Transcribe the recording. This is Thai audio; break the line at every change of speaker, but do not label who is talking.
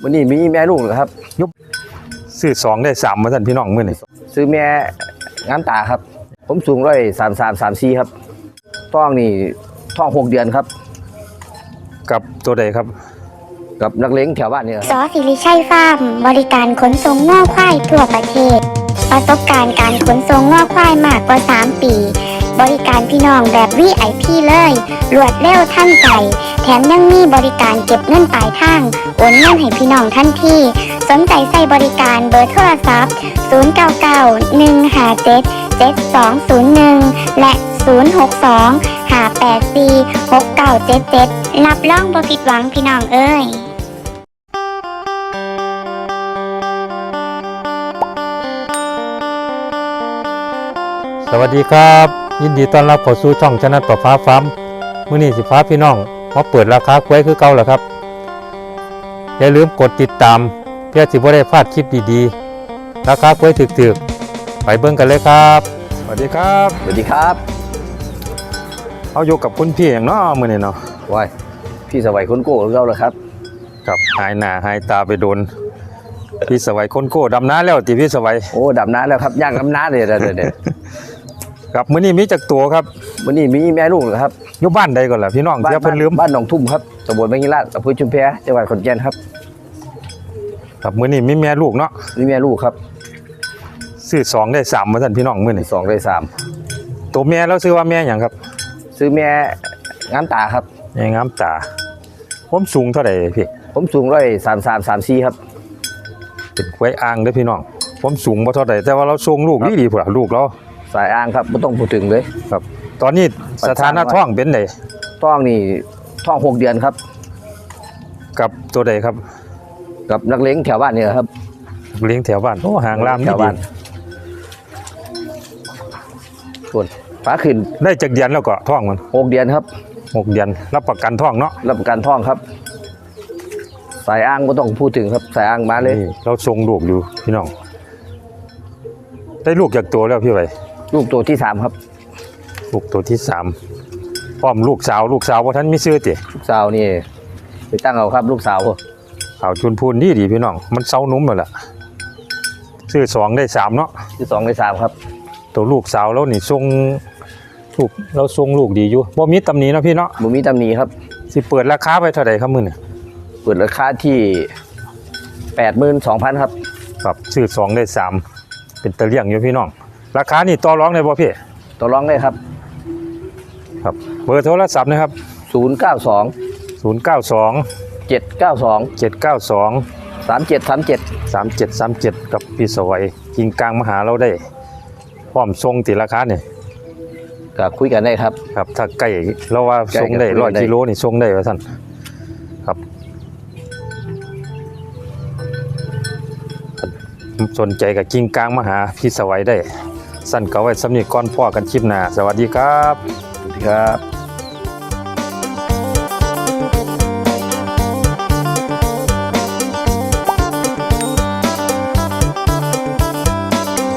วันนี้มีแม่ลูกเหรอครับ
ยุบซื้อ2ได้3มาท่านพี่น้องมื้อนี้
ซื้อแม่งามตาครับผมสูง133-34ครับท้องนี่ท้อง6 เดือนครับ
กับตัวใดครับ
กับนักเลี้ยงแถวบ้านนี่ครับ
สอศิริชัยฟาร์มบริการขนส่งง้อควายทั่วประเทศประสบการณ์การขนส่งง้อควายมากกว่า3 ปีบริการพี่น้องแบบ VIP เลยรวดเร็วทันใจแถมยังมีบริการเก็บเงินปลายทางโอนเงินให้พี่น้องทันทีสนใจใส่บริการเบอร์โทรศัพท์0991577201และ062-584-6977รับรองบ่ผิดหวังพี่น้องเอ้ย
สวัสดีครับยินดีต้อนรับเข้าสู่ช่องชนะประฟ้าฟาร์มมื้อนี้สิฟ้าพี่น้องมาเปิดราคากล้วยคือเก่าแล้วครับอย่าลืมกดติดตามเพื่อสิบ่ได้พลาดคลิปดีๆราคากล้วยถึกๆไปเบิ่งกันเลยครับสวัสดีครับ
สวัสดีครับ
เอาอยู่กับคุณพี่อย่างเนาะมื้อนี้เนาะ
ว้ายพี่สวัยคนโก้ของเราเลยครับ
กับหายหน้าหายตาไปโดนพี่สวัยคนโก้ดำน้าแล้วติพี่สวัย
โอ้ดำน้าแล้วครับย่างดำน้าเลยเดี๋ยว
ครับมื้อนี้มีจักตัวครับ
วันนี้มีแม่ลูกเหรอครับ
อยู่บ้านใดก่อนล่ะพี่น้องเดี๋ยวเพิ่นลืม
บ้านหนองทุ่มครับตำบลแมงยิราชอำเภอชุมแพจังหวัดขอนแก่นครับ
ครับมื้อนี้มีแม่ลูกเนาะ
มีแม่ลูกครับ
ซื้อ2ได้3มาท่านพี่น้องมื้อนี้
2ได้3
ตัวแม่แล้วซื้อว่าแม่หยังครับ
ซื้อแม่งามตาครับ
แม่งามตาผมสูงเท่าใดพี่
ผมสูง133-34ครับ
เป็นกล้วยอ่างเด้อพี่น้องผมสูงบ่เท่าใดแต่ว่าเราทรงลูกดีพุ่นล่ะลูกเรา
สายอ่างครับไม่ต้องพูดถึงเลย
ครับตอนนี้สถานะท้องเป็นได
ท้องนี่ท้อง6 เดือนครับ
กับตัวใดครับ
กับนักเลี้ยงแถวบ้านนี่ครับ
เลี้ยงแถวบ้านโอ้ห่างลาม
แถวบ้านส่วนฟ้าขึ้น
ได้จักเดือนแล้วก็ท้องมัน
6 เดือนครับ
6 เดือนรับประกันท้องเนาะ
รับประกันท้องครับสายอ่างไม่ต้องพูดถึงครับสายอ่างมาเลย
เราทรงลูกอยู่พี่น้องได้ลูกจากตัวแล้วพี่ไว้
ลูกตัวที่3ครับ
ลูกตัวที่3พร้อมลูกสาวว่าท่านมีชื่อติ
ลูกสาวนี่ไปตั้งเอาครับลูกสาว
เอาจุนพูนดีพี่น้องมันเซานุ่มแล้วล่ะซื้อ2ได้3เนาะ
ซื้อ2ได้3ครับ
ตัวลูกสาวแล้วนี่ทรงลูกเราทรงลูกดีอยู่บ่มีตำหนิเนาะพี่เนาะ
บ่มีตำหนิครับ
สิเปิดราคาไปเท่าไหร่ครับมื้อนี้
เปิดราคาที่ 82,000 ครับ
ครับซื้อ2ได้3เป็นตะเลี่ยงอยู่พี่น้องราคานี่ต่อรองได้บ่พี่
ต่อรองได้ครับ
ครับเบอร์โทรศัพท์นะครับ
092
3737กับพี่สวัยกิงกลางมาหาเราได้พร้อมทรงติราคาเนี่ย
ก็คุยกันได้ครับ
ครับถ้าใกล้เราว่าทรงได้100 กิโลนี่ทรงได้ว่าท่านครับสนใจกับกิงกลางมาหาพี่สวัยได้สั้นก็ไว้สำนีก่อนพ่อกันคลิปหน้าสวัสดีครับ
สวัสดีครับ